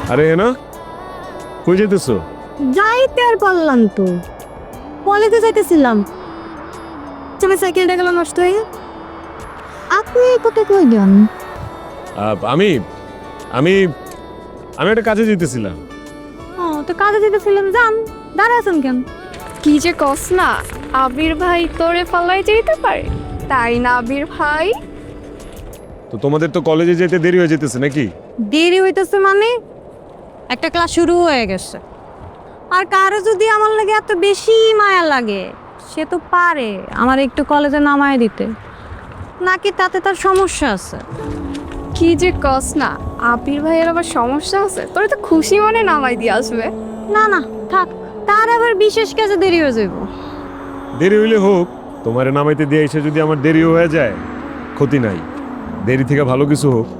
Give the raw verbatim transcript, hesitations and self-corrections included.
আরে না, কই যেতেছো? যাইতে আর পারলাম তো, কলেজে যাইতেছিলাম, আমার সাইকেলটা গেল নষ্ট হয়ে। আপনি কোথায় কই যান? আহ, আমি আমি আমি একটা কাজে যেতেছিলাম। ও তো কাজে যেতেছিলাম, যান, দাঁড়া আছেন কেন? কি যে কস না, আবির ভাই তোরে পাল্লাই যেতে পারে, তাই না আবির ভাই? তো তোমাদের তো কলেজে যেতে দেরি হয়ে যেতেছে নাকি? দেরি হইতেছে মানে একটা ক্লাস শুরু হয়ে গেছে। আর কারো যদি আমার লাগে এত বেশি মায়া লাগে, সে তো পারে আমার একটু কলেজে নামায় দিতে, নাকি তাতে তার সমস্যা আছে? কি যে কস না, আবির ভাইয়ের আবার সমস্যা আছে, তোরে তো খুশি মনে নামাই দিয়ে আসবে। না না, থাক, তার আবার বিশেষ কাজে দেরি হয়ে যাইব। দেরি হইলে হোক, তোমারে নামাইতে দিয়ে এসে যদি আমার দেরিও হয়ে যায় ক্ষতি নাই, দেরি থেকে ভালো কিছু হোক।